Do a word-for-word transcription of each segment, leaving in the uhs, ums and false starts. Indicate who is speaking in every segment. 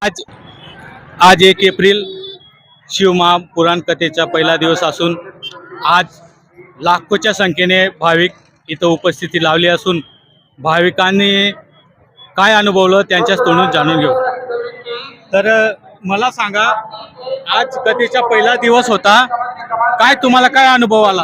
Speaker 1: आज आज एक एप्रिल शिवमहा पुराण कथेचा पहिला दिवस असून आज लाखोच्या संख्येने भाविक इथं उपस्थिती लावली असून भाविकांनी काय अनुभवलं त्यांच्याच तोंडून जाणून घेऊ। तर मला सांगा, आज कथेचा पहिला दिवस होता, काय तुम्हाला काय अनुभव आला?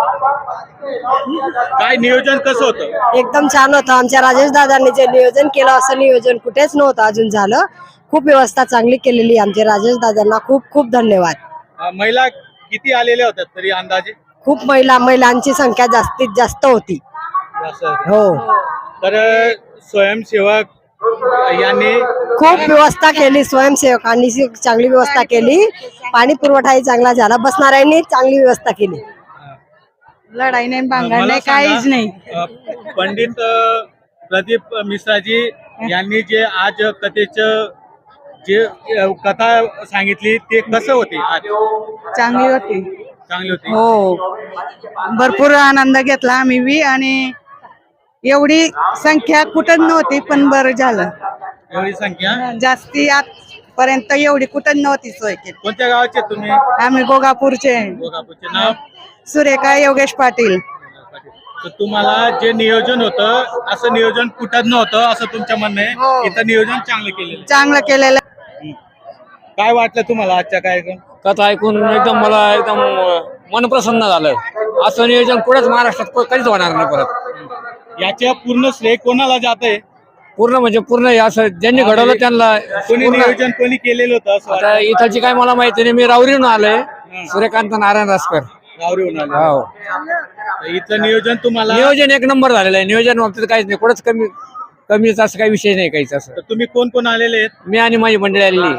Speaker 1: काय नियोजन कसं होतं?
Speaker 2: एकदम छान होतं। आमच्या राजेश दादांनी जे नियोजन केलं असं नियोजन कुठेच नव्हतं अजून झालं। खूप व्यवस्था चांगली केलेली। आमचे राजेश दादांना खूप खूप धन्यवाद।
Speaker 1: महिला किती आलेल्या होत्या तरी अंदाजे?
Speaker 2: खूप महिला महिलांची संख्या जास्तीत जास्त होती। हो,
Speaker 1: तर स्वयंसेवक यांनी
Speaker 2: खूप व्यवस्था केली। स्वयंसेवकांनी चांगली व्यवस्था केली। पाणी पुरवठाही चांगला झाला। बसणाऱ्यांनी चांगली व्यवस्था केली।
Speaker 3: लढाई नाही, भांडण
Speaker 1: मला
Speaker 3: नाही,
Speaker 1: सांगा,
Speaker 3: काहीच नाही।
Speaker 1: अ, पंडित अ, प्रदीप मिश्राजी यांनी जे आज कथेचं जे अ, कथा सांगितली ते कसं होते? आज
Speaker 3: चांगली होती।
Speaker 1: चांगली होती।
Speaker 3: हो, भरपूर आनंद घेतला आम्ही बी। आणि एवढी संख्या कुठं नव्हती, पण बरं झालं।
Speaker 1: एवढी संख्या
Speaker 3: जास्ती आजपर्यंत एवढी कुठं नव्हती सोय केली।
Speaker 1: कोणत्या गावाचे तुम्ही?
Speaker 3: आम्ही गोगापूरचे।
Speaker 1: गोगापूरचे। नाव?
Speaker 3: सुरेखा योगेश पाटील।
Speaker 1: तर तुम्हाला जे नियोजन होतं असं नियोजन कुठं नव्हतं असं तुमच्या म्हणणं
Speaker 3: हो.
Speaker 1: आहे? इथं नियोजन चांगलं केलेलं
Speaker 3: चांगलं केलेलं।
Speaker 1: आहे। काय वाटलं तुम्हाला आजच्या कार्यक्रम?
Speaker 4: कथा ऐकून एकदम मला एकदम मन प्रसन्न झालं। असं नियोजन कुठेच महाराष्ट्रात कधीच होणार नाही परत।
Speaker 1: याच्या पूर्ण श्रेय कोणाला जाते?
Speaker 4: पूर्ण म्हणजे पूर्ण हे असं ज्यांनी घडवलं त्यांना
Speaker 1: कोणी
Speaker 4: पूर्ण-
Speaker 1: नियोजन कोणी केलेलं होतं असं
Speaker 4: आता
Speaker 1: वाटतं?
Speaker 4: इथलची काय मला माहिती नाही। मी राऊरीहून आलोय, सूर्यकांत नारायण रासकर।
Speaker 1: गावरीहून आले.
Speaker 4: हो,
Speaker 1: तर इथलं नियोजन तुम्हाला
Speaker 4: नियोजन एक नंबर झालेलं आहे। नियोजन बाबतीत काहीच नाही, कुठंच कमी कमीच असं काही विषय नाही काहीच असं।
Speaker 1: तर तुम्ही कोण कोण आलेले आहेत?
Speaker 4: मी आणि माझी मंडळी आलेली।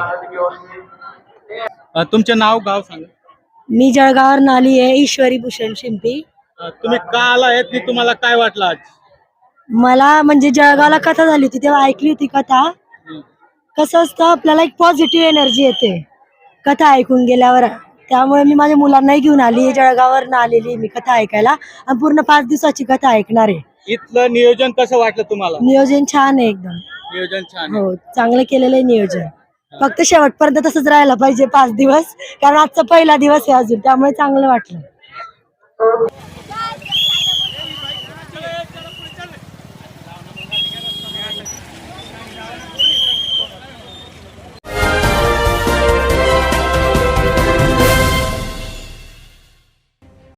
Speaker 1: अ, तुमचे नाव गाव सांगा।
Speaker 2: मी जळगावर आली आहे, ईश्वरी भूषण शिंपी।
Speaker 1: अ, तुम्ही का आला आहेत ते तुम्हाला काय वाटलं आज?
Speaker 2: मला म्हणजे जळगावला कथा झाली होती तेव्हा ऐकली होती कथा। कसं असतं, आपल्याला एक पॉझिटिव्ह एनर्जी येते कथा ऐकून गेल्यावर। त्यामुळे मी माझ्या मुलांनाही घेऊन आली, जळगावर आलेली मी कथा ऐकायला। आणि पूर्ण पाच दिवसाची कथा ऐकणार आहे।
Speaker 1: इथलं नियोजन कसं वाटलं तुम्हाला?
Speaker 2: नियोजन छान आहे एकदम।
Speaker 1: नियोजन छान आहे.
Speaker 2: हो, चांगलं केलेलं आहे नियोजन। फक्त शेवटपर्यंत तसंच राहायला पाहिजे पाच दिवस, कारण आजचा पहिला दिवस आहे अजून, त्यामुळे चांगलं वाटलं।